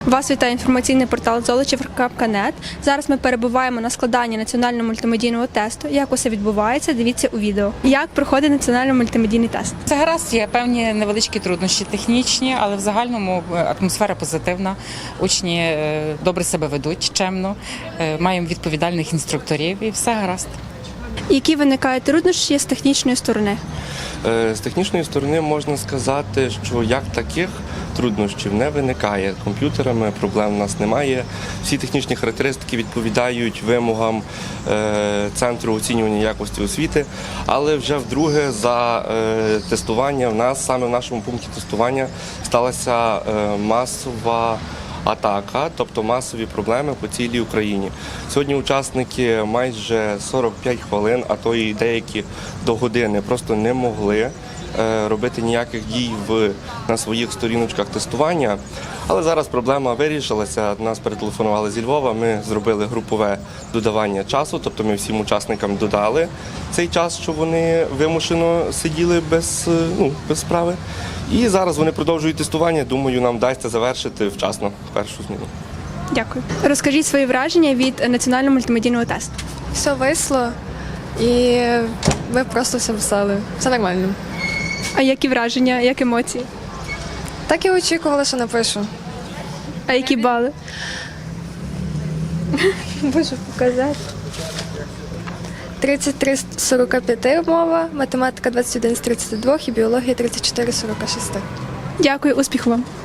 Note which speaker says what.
Speaker 1: Вас вітає інформаційний портал Золочів.нет. Зараз ми перебуваємо на складанні національного мультимедійного тесту. Як усе відбувається, дивіться у відео. Як проходить національний мультимедійний тест?
Speaker 2: Це гаразд, є певні невеличкі труднощі технічні, але в загальному атмосфера позитивна. Учні добре себе ведуть, чемно, маємо відповідальних інструкторів і все гаразд.
Speaker 1: Які виникають труднощі з технічної сторони?
Speaker 3: З технічної сторони можна сказати, що як таких труднощів не виникає. Комп'ютерами проблем у нас немає. Всі технічні характеристики відповідають вимогам Центру оцінювання якості освіти, але вже вдруге за тестування в нас, саме в нашому пункті тестування, сталася масова атака, тобто масові проблеми по цілій Україні. Сьогодні учасники майже 45 хвилин, а то і деякі до години просто не могли робити ніяких дій на своїх сторіночках тестування. Але зараз проблема вирішилася. Нас перетелефонували зі Львова, ми зробили групове додавання часу, тобто ми всім учасникам додали цей час, що вони вимушено сиділи без справи. І зараз вони продовжують тестування. Думаю, нам вдасться завершити вчасно першу зміну.
Speaker 1: Дякую. Розкажіть свої враження від національного мультимедійного тесту.
Speaker 4: Все весело і ви просто все писали. Все нормально.
Speaker 1: А які враження, як емоції?
Speaker 4: Так і очікувала, що напишу.
Speaker 1: А які бали?
Speaker 4: Можу показати. 33 з 45 мова, математика 21 з 32 і біологія 34 з 46.
Speaker 1: Дякую, успіху вам.